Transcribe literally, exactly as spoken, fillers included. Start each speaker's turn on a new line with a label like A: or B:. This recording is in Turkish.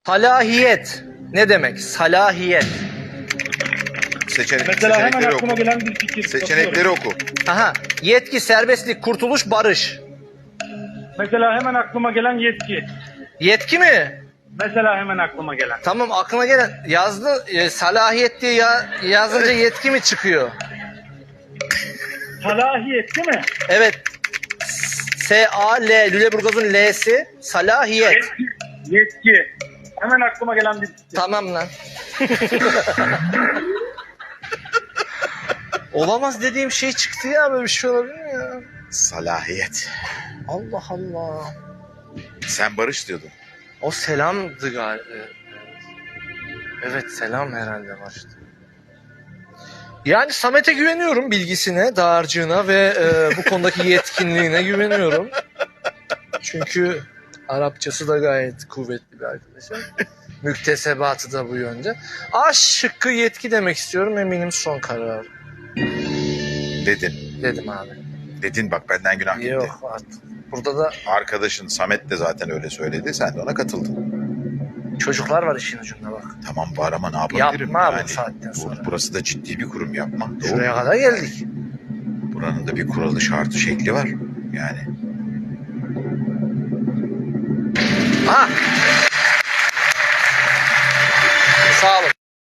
A: Salahiyet ne demek? Salahiyet.
B: Seçenek,
C: Mesela hemen
B: seçenekleri
C: aklıma
B: oku.
C: gelen bir fikir.
B: Seçenekleri
C: Bakıyorum.
B: oku.
A: Aha. Yetki, serbestlik, kurtuluş, barış.
C: Mesela hemen aklıma gelen yetki.
A: Yetki mi?
C: Mesela hemen aklıma gelen.
A: Tamam, aklıma gelen yazdı e, salahiyet diye ya, yazınca yetki mi çıkıyor?
C: Salahiyet değil mi?
A: Evet. S A L Lüleburgaz'ın L'si salahiyet.
C: Yetki. Yetki. Hemen aklıma gelen bir fikir.
A: Tamam lan. Olamaz dediğim şey çıktı ya, böyle bir şey olabilir mi ya?
B: Salahiyet.
A: Allah Allah.
B: Sen barış diyordun.
A: O selamdı galiba. Evet, selam herhalde başta. Yani Samet'e güveniyorum, bilgisine, dağarcığına ve e, bu konudaki yetkinliğine güveniyorum. Çünkü Arapçası da gayet kuvvetli bir arkadaşım. Müktesebatı da bu yönde. A şıkkı yetki demek istiyorum, eminim son karar.
B: Dedin.
A: Dedim abi.
B: Dedin bak, benden günah gitti.
A: Yok artık. Burada da
B: Arkadaşın Samet de zaten öyle söyledi. Sen de ona katıldın.
A: çocuklar var işin ucunda bak.
B: Tamam var ama ne yapabilirim?
A: Yapma abi
B: yani,
A: bu saatten
B: bu-
A: sonra.
B: Burası da ciddi bir kurum, yapma. Doğru.
A: Şuraya kadar geldik.
B: Buranın da bir kuralı, şartı, şekli var. Yani.
A: Aha. Sağ olun.